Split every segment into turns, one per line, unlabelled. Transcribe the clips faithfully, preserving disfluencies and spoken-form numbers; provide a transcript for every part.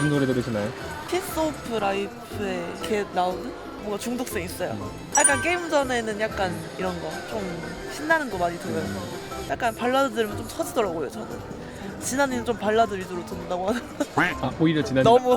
무슨 노래 들으시나요?
피스 오브 라이프에 걔 나오는? 뭔가 중독성 있어요. 약간 게임 전에는 약간 이런 거 좀 신나는 거 많이 들어요. 약간 발라드 들으면 좀 터지더라고요, 저는. 진아이는 좀 발라드 위주로 듣는다고 하더라고요.
아 오히려 지난
너무
어,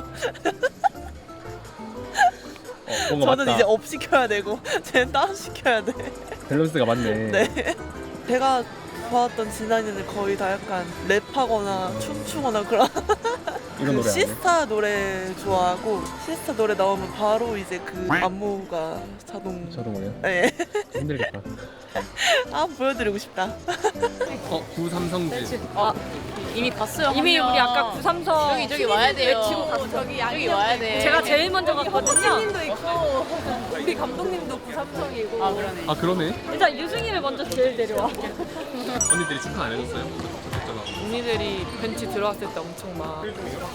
뭔가
저는
맞다.
이제 업 시켜야 되고 쟤는 다운 시켜야 돼.
밸런스가 맞네.
네. 제가 봐왔던 진아이는 거의 다 약간 랩하거나 춤추거나 그런
이런 노래 아니에요?
시스타 노래 좋아하고 시스타 노래 나오면 바로 이제 그 안무가 자동.
자동으로요?
네.
힘들겠다.
아 보여드리고 싶다.
어 구삼성지.
아, 이미 봤어요.
이미
한
우리
명.
아까 구삼성
저기 저기 와야 돼요.
외치고 갔어.
저기 저기 와야 돼.
제가 제일 먼저 갔거든요.
님도 있고.
우리 감독님도 구삼성이고.
아 그러네.
아 그러네.
일단 유승이를 먼저 제일 데려와.
언니들이 축하 안 해줬어요? 좋겠잖아.
언니들이 벤치 들어왔을 때 엄청 막 해줬어요.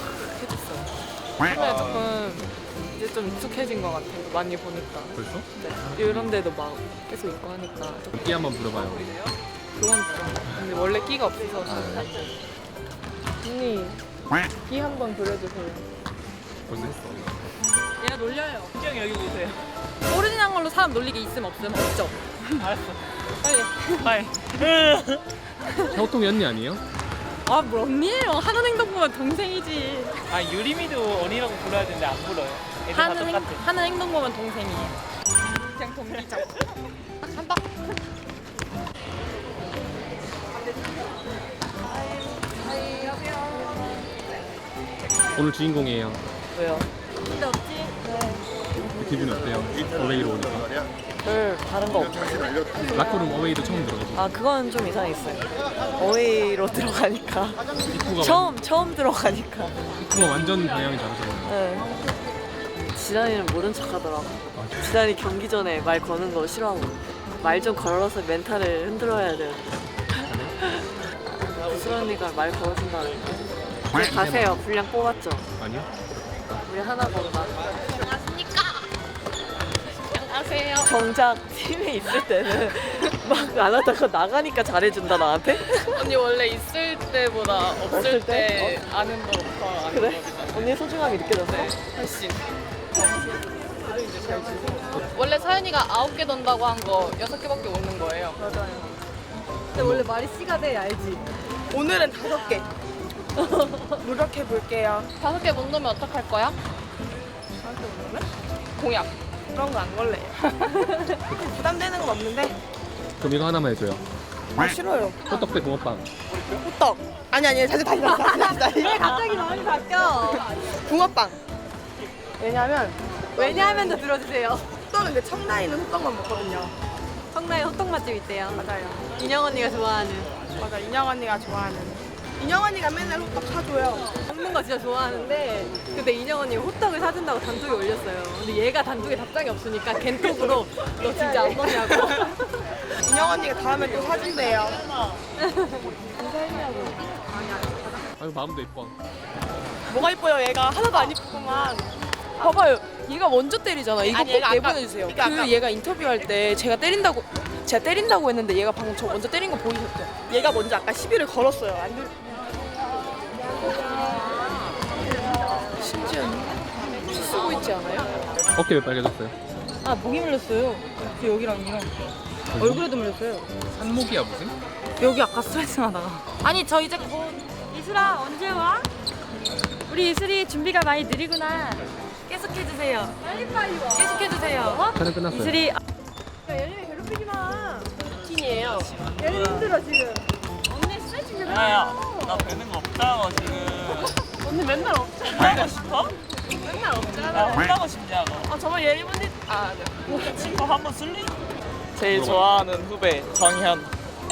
처음에 조금 이제 좀 익숙해진 것 같아요. 많이 보니까.
벌써?
네. 이런 데도 막 계속 있고 하니까 좀
끼 한번 불어봐요.
그건 좀. 근데 원래 끼가 없어서
아,
언니 끼 한번 부려주세요.
벌써 했어.
얘가 놀려요.
형 여기 보세요.
오리지널 걸로 사람 놀리게 있음 없음 없죠.
알았어.
빨리.
빨리.
샤오통이 언니 아니에요?
아 뭘 언니예요. 하는 행동 보면 동생이지.
아 유리미도 언니라고 불러야 되는데 안 불러요. 애들 다
하는 행,
똑같아.
하는 행동 보면 동생이에요. 그냥 동기죠. 간다.
오늘 주인공이에요.
왜요?
근데 없지?
기분이 어때요? 어웨이로 오니까.
별 다른 거 없죠.
라커룸 어웨이도 처음 들어가지고.
아 그건 좀 이상했어요. 어웨이로 들어가니까
입구가
처음 처음 들어가니까.
완, 입구가 완전 방향이 다르잖아요.
네. 지란이는 모른 척하더라고. 지란이 경기 전에 말 거는 거 싫어하고 말 좀 걸어서 멘탈을 흔들어야 돼요. 구슬 언니가 말 걸어준다는데. 네, 가세요. 분량 뽑았죠.
아니요?
우리 하나 건다.
안녕하세요.
정작 팀에 있을 때는 막 안 하다가 나가니까 잘해준다 나한테.
언니 원래 있을 때보다 없을
없을
때 아는 거더 아는
그래?
거잖아요.
언니의 소중함이 느껴졌어?
훨씬.
원래 사연이가 아홉 개 던다고 한 거 여섯 개밖에 오는 거예요.
근데 원래 말이 씨가 돼 알지?
오늘은 다섯 개. 노력해 볼게요.
다섯 개 못 넣으면 어떡할 거야? 공약.
그런 거 안 걸래요. 부담되는 건 없는데.
그럼 이거 하나만 해줘요.
아 싫어요.
호떡대 붕어빵.
호떡. 아니 아니 다시 다시 다시 다시 다시.
왜 갑자기 마음이 바뀌어?
붕어빵. 왜냐면
왜냐하면도 들어주세요.
호떡은 근데 청라인은 호떡만 먹거든요.
성나에 호떡 맛집 있대요.
맞아요.
인영 언니가 좋아하는.
맞아 인영 언니가 좋아하는. 인영 언니가 맨날 호떡 사줘요.
먹는 거 진짜 좋아하는데 근데 인영 언니가 호떡을 사준다고 단톡에 올렸어요. 근데 얘가 단톡에 답장이 없으니까 겐톡으로 너 진짜 안 먹냐고.
인영 언니가 다음에 또 사준대요.
아유 마음도 예뻐.
뭐가 이뻐요 얘가 하나도 안 이쁘구만. 봐봐요 얘가 먼저 때리잖아. 이거
아니,
꼭
얘가
내보내주세요.
아까-
그
그러니까
얘가 인터뷰할 때 제가 때린다고 제가 때린다고 했는데 얘가 방금 저 먼저 때린 거 보이셨죠? 얘가 먼저 아까 시비를 걸었어요. 안 들... 심지어 피 쓰고 있지 않아요?
어깨 왜 빨개졌어요?
아 목이 물렸어요. 여기랑 여기랑 얼굴에도 물렸어요.
산모기야 무슨?
여기 아까 스트레칭 하다가. 아니 저 이제 곧 이슬아 언제 와? 우리 이슬이 준비가 많이 느리구나. 계속해주세요. 빨리빨리 와. 계속해주세요. 어?
촬영 끝났어요.
이슬이. 야 예림이 괴롭히지 마.
찐이에요.
예림이 힘들어 지금. 언니 스트레칭 좀 해.
야야 나 되는 거 없잖아 지금.
언니 맨날 없어.
하고 싶어?
맨날 없잖아.
나 하고 싶냐고.
아 정말 예림 언니. 아 네.
친구 한번 쓸리? 제일 좋아하는 후배 정현.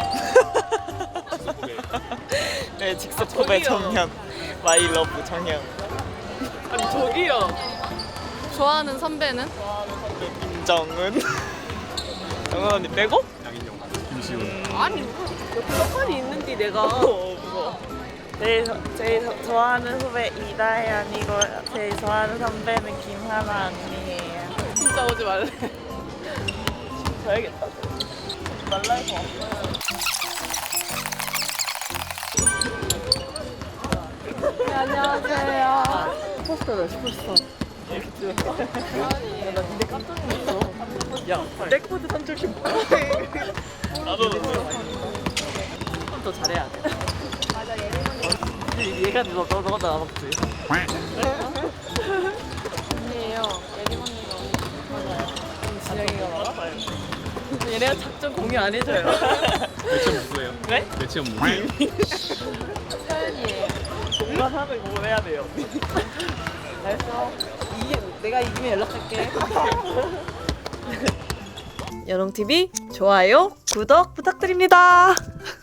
네 직속 후배 정현. 마이 러브 정현. 아니 저기요.
좋아하는 선배는?
김정은. 정은 언니 빼고?
양인영, 김시훈.
아니 떡하니 있는데 내가
어 무서워.
제일, 저- 제일 저- 좋아하는 후배 이다현이고 제일 좋아하는 선배는 김하나 언니예요.
진짜 오지 말래. 가야겠다. 말라 해서 왔어요.
안녕하세요.
슈퍼스타다 슈퍼스타.
이렇게 찍었어. 나 근데 깜짝 놀랐어. 야, 백보드 선출신 나도 더 잘해야 돼. 맞아, 얘 얘가 너 너 너가 나 먹지.
아니에요. 예림 언니가
진영이가 나와? 얘네가 작전 공유 안 해줘요.
매치업 무수해요.
네?
매치업 무수해요.
서연이에요.
누가 사는 뭘 해야 돼요.
알았어. 이게 내가 이기면 연락할게. 연홍티비 좋아요, 구독 부탁드립니다.